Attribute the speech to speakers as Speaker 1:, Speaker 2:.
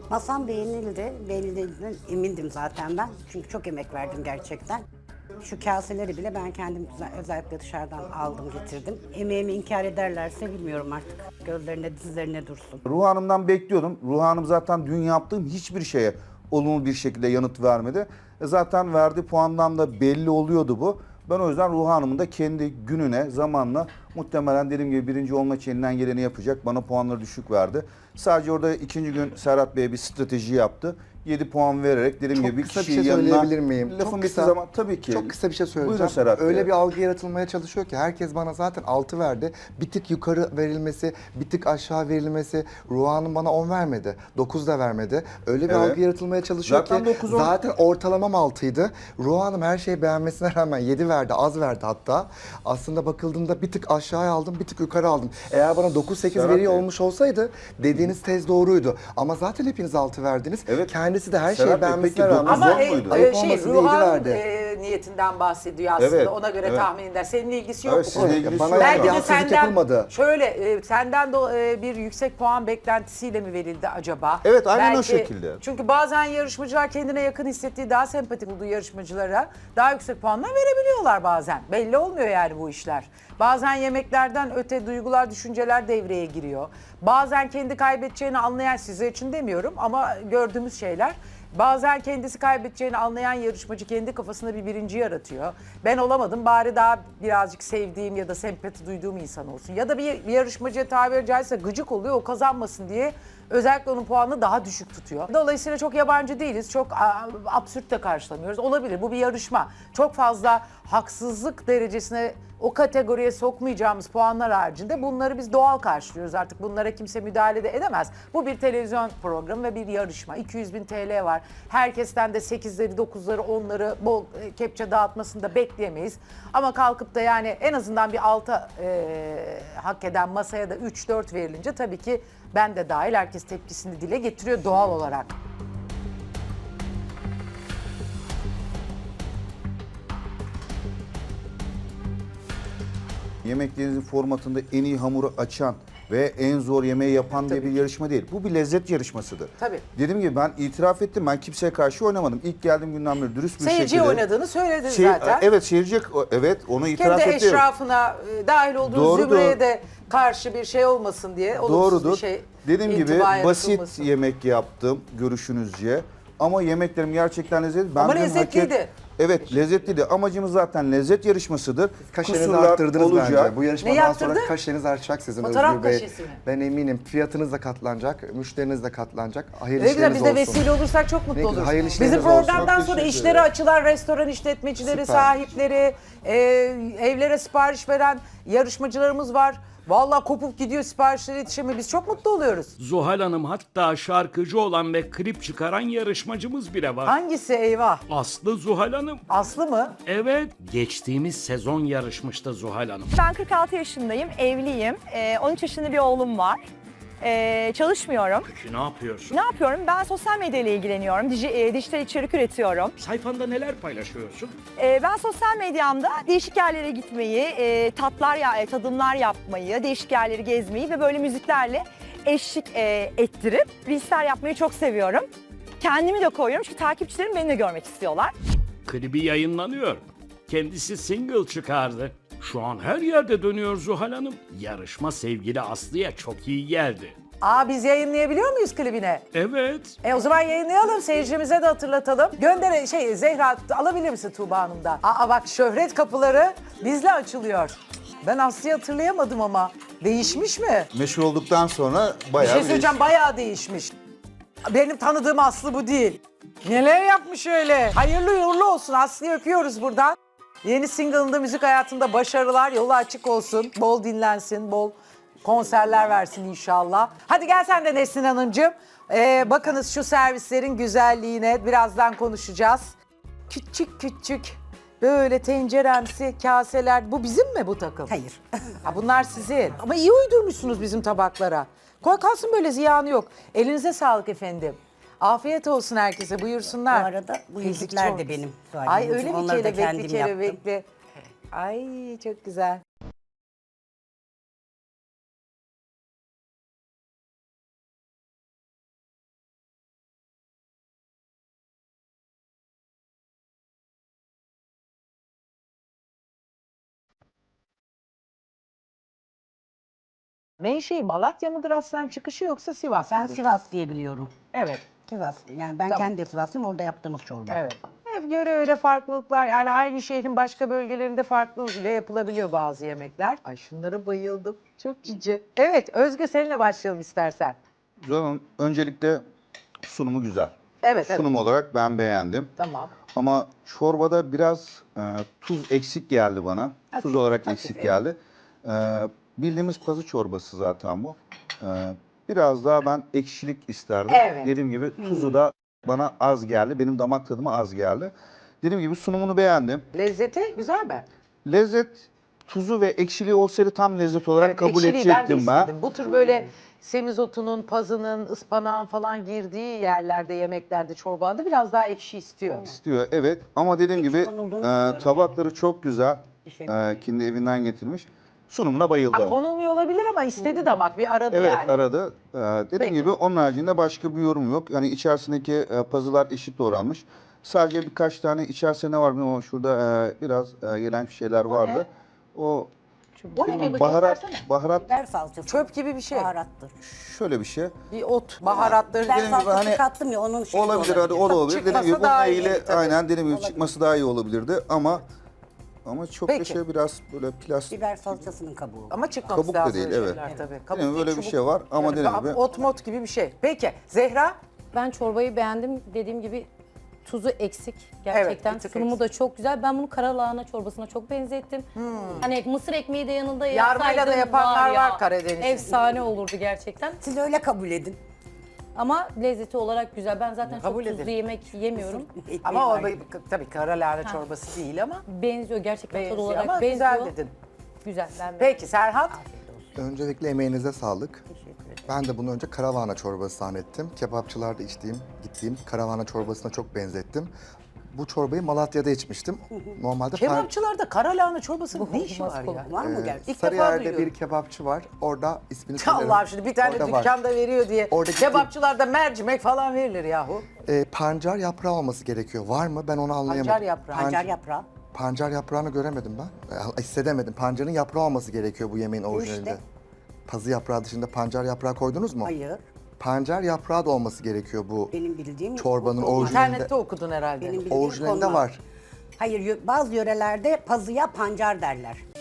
Speaker 1: Masam beğenildi. Beğenildiğinden emindim zaten ben. Çünkü çok emek verdim gerçekten. Şu kaseleri bile ben kendim özellikle dışarıdan aldım getirdim. Emeğimi inkar ederlerse bilmiyorum artık. Gözlerine dizlerine dursun.
Speaker 2: Ruh Hanım'dan bekliyordum. Ruh Hanım zaten dün yaptığım hiçbir şeye olumlu bir şekilde yanıt vermedi. Zaten verdiği puandan da belli oluyordu bu. Ben o yüzden Ruh Hanım'ın da kendi gününe, zamanla muhtemelen dediğim gibi birinci olma için elinden geleni yapacak. Bana puanları düşük verdi. Sadece orada ikinci gün Serhat Bey bir strateji yaptı. 7 puan vererek dediğim
Speaker 3: Çok
Speaker 2: gibi
Speaker 3: kısa bir
Speaker 2: kişiyi
Speaker 3: şey
Speaker 2: yanına...
Speaker 3: söyleyebilir miyim?
Speaker 2: Lafın
Speaker 3: Çok
Speaker 2: bittiği
Speaker 3: kısa.
Speaker 2: zaman tabii ki.
Speaker 3: Çok kısa bir şey söyleyeceğim.
Speaker 2: Buyurun Serhat
Speaker 3: Öyle
Speaker 2: Bey.
Speaker 3: bir algı yaratılmaya çalışıyor ki herkes bana zaten 6 verdi. Bir tık yukarı verilmesi, bir tık aşağı verilmesi. Ruhan'ın bana 10 vermedi. 9 da vermedi. Öyle bir
Speaker 2: Evet.
Speaker 3: algı yaratılmaya çalışıyor
Speaker 2: Zaten
Speaker 3: ki
Speaker 2: 9-10.
Speaker 3: zaten ortalamam 6'ydı. Ruhan'ım her şeyi beğenmesine rağmen 7 verdi, az verdi hatta. Aslında bakıldığında bir tık aşağıya aldım, bir tık yukarı aldım. Eğer bana 9-8
Speaker 2: Serhat
Speaker 3: veriyor
Speaker 2: Bey.
Speaker 3: olmuş olsaydı dediğiniz tez doğruydu. Ama zaten hepiniz 6 verdiniz.
Speaker 2: Evet.
Speaker 3: Kendisi de her
Speaker 2: Serhat
Speaker 3: şeyi
Speaker 2: Bey,
Speaker 3: beğenmesine
Speaker 2: peki
Speaker 3: rağmen...
Speaker 2: dokuz
Speaker 4: Ama
Speaker 2: on muydu?
Speaker 3: Ayıp
Speaker 4: şey
Speaker 3: olmasın diye yedi
Speaker 4: Ruhan
Speaker 3: verdi.
Speaker 4: niyetinden bahsediyor aslında.
Speaker 2: Evet,
Speaker 4: Ona göre
Speaker 2: evet.
Speaker 4: tahmininden. Seninle ilgisi yok
Speaker 2: Evet,
Speaker 4: bu
Speaker 2: sizinle
Speaker 4: konuda.
Speaker 2: ilgisi
Speaker 3: Bana
Speaker 2: yok.
Speaker 3: yani bir
Speaker 4: Belki de
Speaker 3: haksızlık
Speaker 4: senden
Speaker 3: yapılmadı.
Speaker 4: şöyle senden de bir yüksek puan beklentisiyle mi verildi acaba?
Speaker 2: Evet, aynen o
Speaker 4: Belki,
Speaker 2: şekilde.
Speaker 4: Çünkü bazen yarışmacılar kendine yakın hissettiği, daha sempatik olduğu yarışmacılara daha yüksek puanlar verebiliyorlar bazen. Belli olmuyor yani bu işler. Bazen yemeklerden öte duygular, düşünceler devreye giriyor. Bazen kendi kaybedeceğini anlayan, size için demiyorum ama gördüğümüz şeyler. Bazen kendisi kaybedeceğini anlayan yarışmacı kendi kafasında bir birinci yaratıyor. Ben olamadım, bari daha birazcık sevdiğim ya da sempati duyduğum insan olsun. Ya da bir yarışmacıya tabiri caizse gıcık oluyor, o kazanmasın diye özellikle onun puanını daha düşük tutuyor. Dolayısıyla çok yabancı değiliz, çok absürt de karşılamıyoruz. Olabilir, bu bir yarışma. Çok fazla haksızlık derecesine o kategoriye sokmayacağımız puanlar haricinde bunları biz doğal karşılıyoruz. Artık bunlara kimse müdahale de edemez. Bu bir televizyon programı ve bir yarışma. 200.000 TL var. Herkesten de 8'leri, 9'ları, 10'ları bol kepçe dağıtmasını da bekleyemeyiz. Ama kalkıp da yani en azından bir 6 hak eden masaya da 3-4 verilince tabii ki ben de dahil herkes tepkisini dile getiriyor doğal olarak.
Speaker 2: Yemeklerinizin formatında en iyi hamuru açan ve en zor yemeği yapan diye bir yarışma değil. Bu bir lezzet yarışmasıdır.
Speaker 4: Tabii.
Speaker 2: Dediğim gibi ben itiraf ettim. Ben kimseye karşı oynamadım. İlk geldiğim günden beri dürüst bir
Speaker 4: Seyirciye
Speaker 2: şekilde.
Speaker 4: oynadığını söyledin
Speaker 2: Şey-
Speaker 4: zaten.
Speaker 2: Evet seyirci, evet onu itiraf
Speaker 4: Kendi
Speaker 2: ettim.
Speaker 4: eşrafına dahil olduğu
Speaker 2: Doğrudur.
Speaker 4: zümreye de karşı bir şey olmasın diye olumsuz
Speaker 2: Doğrudur.
Speaker 4: bir şey
Speaker 2: Dediğim gibi
Speaker 4: intiba
Speaker 2: basit
Speaker 4: yaratılmasın.
Speaker 2: yemek yaptım görüşünüzce. Ama yemeklerim gerçekten lezzetli. Ben
Speaker 4: Ama
Speaker 2: dün
Speaker 4: lezzetliydi.
Speaker 2: Evet lezzetliydi. Amacımız zaten lezzet yarışmasıdır.
Speaker 3: Kaşenizi
Speaker 2: Kusurlar
Speaker 3: arttırdınız
Speaker 2: olacak.
Speaker 3: bence. Bu
Speaker 4: Ne
Speaker 3: yarışmadan
Speaker 4: yaptırdı?
Speaker 3: sonra kaşeniz artacak sizin
Speaker 4: Fotoğraf
Speaker 3: Özgür Bey.
Speaker 4: kaşesi mi?
Speaker 3: Ben eminim. Fiyatınız da katlanacak, müşteriniz de katlanacak. Hayırlı
Speaker 4: Ne güzel,
Speaker 3: işleriniz
Speaker 4: biz de
Speaker 3: olsun.
Speaker 4: vesile olursak çok
Speaker 3: Ne
Speaker 4: mutlu
Speaker 3: güzel,
Speaker 4: oluruz.
Speaker 3: hayırlı
Speaker 4: Bizim
Speaker 3: işleriniz olsun.
Speaker 4: programdan
Speaker 2: Çok
Speaker 4: sonra
Speaker 2: teşekkür
Speaker 4: işleri
Speaker 2: ederim.
Speaker 4: açılan restoran işletmecileri,
Speaker 3: Süper.
Speaker 4: sahipleri, evlere sipariş veren yarışmacılarımız var. Vallahi kopup gidiyor, siparişlere yetişemiyor. Biz çok mutlu oluyoruz.
Speaker 5: Zuhal Hanım, hatta şarkıcı olan ve klip çıkaran yarışmacımız bile var.
Speaker 4: Hangisi eyvah?
Speaker 5: Aslı Zuhal Hanım.
Speaker 4: Aslı mı?
Speaker 5: Evet, geçtiğimiz sezon yarışmıştı Zuhal Hanım.
Speaker 6: Ben 46 yaşındayım, evliyim. 13 yaşında bir oğlum var. Çalışmıyorum.
Speaker 5: Peki ne yapıyorsun?
Speaker 6: Ne yapıyorum? Ben sosyal medya ile ilgileniyorum. Dijital içerik üretiyorum.
Speaker 5: Sayfanda neler paylaşıyorsun?
Speaker 6: Ben sosyal medyamda değişik yerlere gitmeyi, tadımlar yapmayı, değişik yerleri gezmeyi ve böyle müziklerle eşlik ettirip reelsler yapmayı çok seviyorum. Kendimi de koyuyorum çünkü takipçilerim beni de görmek istiyorlar.
Speaker 5: Klibi yayınlanıyor. Kendisi single çıkardı. Şu an her yerde dönüyor Zuhal Hanım. Yarışma sevgili Aslı'ya çok iyi geldi.
Speaker 4: Biz yayınlayabiliyor muyuz klibine?
Speaker 5: Evet.
Speaker 4: O zaman yayınlayalım, seyircimize de hatırlatalım. Zehra alabilir misin Tuğba Hanım'dan? Bak şöhret kapıları bizle açılıyor. Ben Aslı'yı hatırlayamadım ama. Değişmiş mi?
Speaker 2: Meşhur olduktan sonra
Speaker 4: Bir
Speaker 2: bayağı
Speaker 4: şey söyleyeceğim, bayağı değişmiş. Benim tanıdığım Aslı bu değil. Neler yapmış öyle? Hayırlı uğurlu olsun, Aslı'yı öpüyoruz buradan. Yeni single'ında müzik hayatında başarılar, yolu açık olsun. Bol dinlensin, bol konserler versin inşallah. Hadi gel sen de Nesrin Hanımcığım. Bakınız şu servislerin güzelliğine birazdan konuşacağız. Küçük küçük böyle tenceremsi kaseler. Bu bizim mi bu takım?
Speaker 1: Hayır.
Speaker 4: Bunlar sizin. Ama iyi uydurmuşsunuz bizim tabaklara. Koy kalsın, böyle ziyanı yok. Elinize sağlık efendim. Afiyet olsun herkese, buyursunlar.
Speaker 1: Bu arada bu
Speaker 4: Ezik
Speaker 1: yüzükler
Speaker 4: çok
Speaker 1: de
Speaker 4: güzel.
Speaker 1: benim. Zuhal
Speaker 4: Ay
Speaker 1: Hanımcığım.
Speaker 4: öyle mi,
Speaker 1: Onları da
Speaker 4: kelebekli
Speaker 1: kendim yaptım.
Speaker 4: kelebekli. Ay çok güzel. Menşei Malatya mıdır aslen çıkışı yoksa Sivas
Speaker 1: Ben
Speaker 4: mıdır?
Speaker 1: Sivas diye biliyorum.
Speaker 4: Evet.
Speaker 1: Sivas. Yani ben
Speaker 4: Tamam.
Speaker 1: kendi Sivaslıyım, orada yaptığımız çorba.
Speaker 4: Evet. Hep göre öyle farklılıklar, yani aynı şehrin başka bölgelerinde farklı bile yapılabiliyor bazı yemekler. Ay şunlara bayıldım. Çok cici. Evet, Özge seninle başlayalım istersen.
Speaker 2: Zuhal Hanım, öncelikle sunumu güzel.
Speaker 4: Evet, evet.
Speaker 2: Sunum olarak ben beğendim.
Speaker 4: Tamam.
Speaker 2: Ama çorbada biraz tuz eksik geldi bana. Tuz olarak eksik geldi. Bildiğimiz pazı çorbası zaten bu. Biraz daha ben ekşilik isterdim.
Speaker 4: Evet.
Speaker 2: Dediğim gibi tuzu da bana az geldi. Benim damak tadıma az geldi. Dediğim gibi sunumunu beğendim.
Speaker 4: Lezzeti güzel mi?
Speaker 2: Lezzet, tuzu ve ekşiliği olsaydı tam lezzet olarak kabul
Speaker 4: ekşiliği ben de
Speaker 2: edecektim ben.
Speaker 4: istedim. Bu tür böyle semizotunun, pazının, ıspanağın falan girdiği yerlerde, yemeklerde, çorbalarda biraz daha ekşi istiyor.
Speaker 2: İstiyor, evet. Ama dediğim gibi tabakları çok güzel. Kendi evinden getirmiş. Sunumuna bayıldım.
Speaker 4: Konulmuyor olabilir ama istedi damak, bir aradı
Speaker 2: Evet,
Speaker 4: yani.
Speaker 2: aradı. Dediğim
Speaker 4: Peki.
Speaker 2: gibi onun haricinde başka bir yorum yok. Yani içerisindeki pazılar eşit doğranmış. Sadece birkaç tane içerisinde ne var bilmiyorum ama şurada biraz gelen şeyler vardı. O
Speaker 4: Bu ne bir
Speaker 2: baharat,
Speaker 4: göstersene.
Speaker 2: baharat
Speaker 1: Biber salçası.
Speaker 4: Çöp gibi bir şey.
Speaker 1: Baharattır.
Speaker 2: şöyle bir şey.
Speaker 4: Bir ot, baharatları.
Speaker 1: Biber
Speaker 2: Dediğim gibi
Speaker 1: salçası
Speaker 2: hani
Speaker 1: kattım ya, onun şeyi
Speaker 2: Olabilir, hadi o da olabilir. Dediğim
Speaker 4: Çıkmasa
Speaker 2: gibi
Speaker 4: daha
Speaker 2: bununla
Speaker 4: iyi,
Speaker 2: ilgili
Speaker 4: tabii.
Speaker 2: aynen dediğim gibi çıkması daha iyi olabilirdi ama çok
Speaker 4: Peki.
Speaker 2: da şey biraz böyle plastik.
Speaker 1: Biber salçasının kabuğu.
Speaker 4: Ama çıkmaması
Speaker 2: Kabuk da
Speaker 4: lazım
Speaker 2: değil,
Speaker 4: öyle
Speaker 2: evet.
Speaker 4: şeyler tabii. Kabuk
Speaker 2: Yani
Speaker 4: değil,
Speaker 2: böyle bir
Speaker 4: çubuk.
Speaker 2: şey var ama
Speaker 4: Yani
Speaker 2: dediğim gibi
Speaker 4: ot mot gibi bir şey. Peki Zehra?
Speaker 7: Ben çorbayı beğendim. Dediğim gibi tuzu eksik gerçekten.
Speaker 4: bir tık
Speaker 7: Sunumu
Speaker 4: eksik.
Speaker 7: da çok güzel. Ben bunu kara lahana çorbasına çok benzettim. Hani mısır ekmeği de yanında
Speaker 4: Yarmayla da
Speaker 7: yapsaydım
Speaker 4: yapanlar
Speaker 7: ya,
Speaker 4: var Karadeniz'de.
Speaker 7: efsane olurdu gerçekten.
Speaker 1: Siz öyle kabul edin.
Speaker 7: Ama lezzeti olarak güzel. Ben zaten
Speaker 4: Kabul
Speaker 7: çok tuzlu
Speaker 4: edelim.
Speaker 7: yemek yemiyorum.
Speaker 1: Ekmeği
Speaker 4: Ama o
Speaker 1: var.
Speaker 4: tabii kara lahana çorbası değil ama
Speaker 7: Benziyor gerçekten tadı
Speaker 4: benziyor
Speaker 7: olarak
Speaker 4: ama
Speaker 7: benziyor.
Speaker 4: güzel dedin.
Speaker 7: Güzel. Ben
Speaker 4: Peki Serhat?
Speaker 3: Öncelikle emeğinize sağlık. Ben de bunu önce karavana çorbası zannettim. Kebapçılarda gittiğim karavana çorbasına çok benzettim. Bu çorbayı Malatya'da içmiştim. Normalde
Speaker 4: Kebapçılarda kara lahana çorbasının ne işi var ya?
Speaker 1: Var mı gerçekten?
Speaker 4: İlk defa
Speaker 3: Sarıyer'de
Speaker 4: duyuyorum.
Speaker 3: bir kebapçı var. Orada ismini söylerim.
Speaker 4: Allah'ım şimdi bir tane
Speaker 3: Orada var.
Speaker 4: dükkanda veriyor diye.
Speaker 3: Orada gittim.
Speaker 4: Kebapçılarda mercimek falan verilir yahu.
Speaker 3: Pancar yaprağı olması gerekiyor. Var mı? Ben onu anlayamadım.
Speaker 4: Pancar yaprağı.
Speaker 1: Pancar yaprağı.
Speaker 3: Pancar yaprağını göremedim ben. Hissedemedim. Pancarın yaprağı olması gerekiyor bu yemeğin orijinalinde.
Speaker 1: işte.
Speaker 3: Pazı yaprağı dışında pancar yaprağı koydunuz mu?
Speaker 1: Hayır.
Speaker 3: Pancar yaprağı da olması gerekiyor bu
Speaker 1: Benim bildiğim
Speaker 3: çorbanın
Speaker 1: bu-
Speaker 3: orijinalinde.
Speaker 4: İnternette okudun herhalde.
Speaker 1: Benim bildiğim
Speaker 3: Orijinalinde
Speaker 1: konmaz.
Speaker 3: var.
Speaker 1: Hayır, bazı yörelerde pazıya pancar derler.